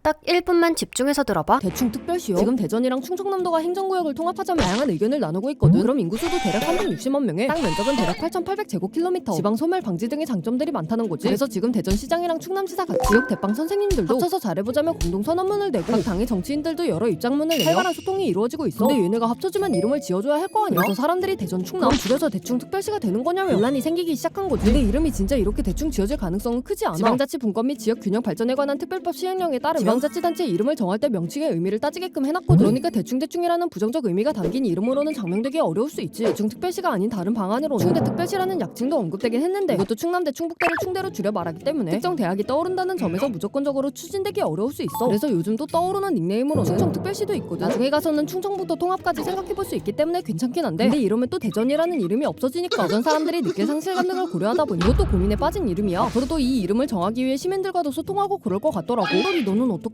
딱 1분만 집중해서 들어봐. 대충특별시요. 지금 대전이랑 충청남도가 행정구역을 통합하자면 다양한 의견을 나누고 있거든. 그럼 인구수도 대략 360만 명에 땅 면적은 대략 8,800제곱킬로미터, 지방 소멸 방지 등의 장점들이 많다는 거지. 그래서 지금 대전시장이랑 충남지사 같이 지역 대빵 선생님들도 합쳐서 잘해보자며 공동선언문을 내고 각 당의 정치인들도 여러 입장문을 내며 활발한 소통이 이루어지고 있어. 근데 얘네가 합쳐지면 이름을 지어줘야 할 거 아니야. 그래서 사람들이 대전 충남 줄여서 대충특별시가 되는 거냐며 논란이 생기기 시작한 거지. 근데 이름이 진짜 이렇게 대충 지어질 가능성은 크지 않아. 지방자치 분권 및 지역균형 발전에 관한 특별법 시행령에 따르면 지방자치단체 이름을 정할 때 명칭의 의미를 따지게끔 해놨거든. 그러니까 대충대충이라는 부정적 의미가 담긴 이름으로는 장명되기 어려울 수 있지. 대충특별시가 아닌 다른 방안으로는 충대특별시라는 약칭도 언급되긴 했는데 이것도 충남대 충북대를 충대로 줄여 말하기 때문에 특정 대학이 떠오른다는 점에서 무조건적으로 추진되기 어려울 수 있어. 그래서 요즘 또 떠오르는 닉네임으로 충청특별시도 있거든. 나중에 가서는 충청북도 통합까지 생각해볼 수 있기 때문에 괜찮긴 한데, 근데 이러면 또 대전이라는 이름이 없어지니까 대전 사람들이 느낄 상실감 등을 고려하다 보니 이것도 고민에 빠진 이름이야. 앞으로도 이 이름을 정하기 위해 시민들과도 소통하고 그럴 것 같더라고. 너는 어떻게